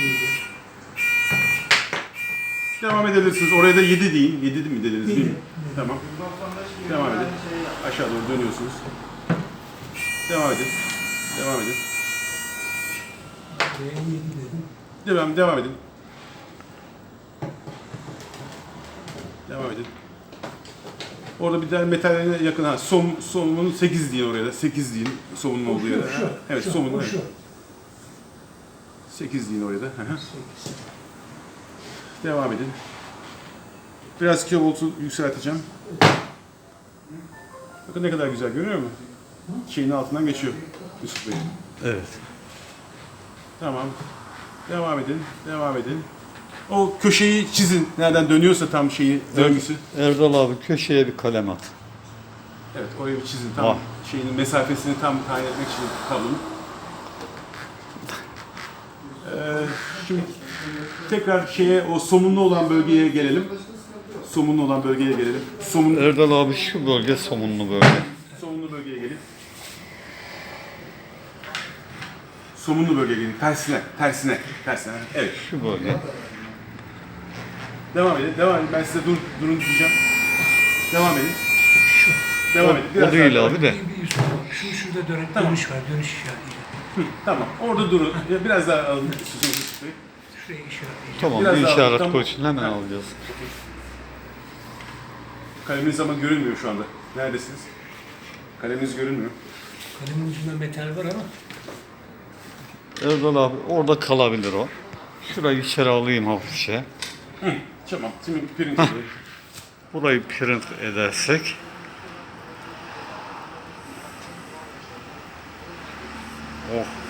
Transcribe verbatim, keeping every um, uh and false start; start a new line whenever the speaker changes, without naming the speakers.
Devam edebilirsiniz. Oraya da yedi deyin. yedi mi dediniz değil mi? Tamam. Devam edin. Aşağı doğru dönüyorsunuz. Devam edin. Devam edin. Devam, devam edin. Devam edin. Orada bir tane metaline yakın ha som somunun sekiz deyin oraya da. sekiz deyin somunun olduğu yere.
Şu,
Evet,
şu,
somunun.
şu.
sekiz deyin oraya da. Devam edin. Biraz kilovoltu yükselteceğim. Bakın ne kadar güzel, görüyor musun? Şeyin altından geçiyor Yusuf Bey.
Evet.
Tamam. Devam edin. Devam edin. O köşeyi çizin. Nereden dönüyorsa tam şeyi, döngüsü.
Erdal abi köşeye bir kalem at.
Evet, orayı bir çizin. Tam
Vah.
şeyinin mesafesini tam tayin etmek için tablonun. Ee, şimdi tekrar şeye, o somunlu olan bölgeye gelelim. Somunlu olan bölgeye gelelim. Somun,
Erdal abi şu bölge somunlu bölge.
somunlu bölgeye gelin. Somunlu bölgeye gelin. Tersine, tersine, tersine. Evet.
Şu bölge.
Devam edin, devam edin. Ben size dur, durun diyeceğim. Devam edin.
Şu.
Devam edin.
O değil
daha-
abi de.
Bir, bir üst. Şu şurada dön
Tamam.
dönüş var. Dönüş işaretiyle.
Hı, tamam. Orada durun. Ya biraz daha alın. Yusuf Bey.
Şuraya işaretleyin.
Tamam
Biraz
bir
daha-
işaret
tam-
koysun hemen
Ha.
alacağız.
Kaleminiz ama görünmüyor şu anda. Neredesiniz? Kaleminiz görünmüyor.
Kalemin ucunda metal var ama
Erdal abi orada kalabilir o. Şurayı içeri alayım hafifçe.
Hı, tamam. Şimdi pirinç alayım.
Burayı print edersek. Oh.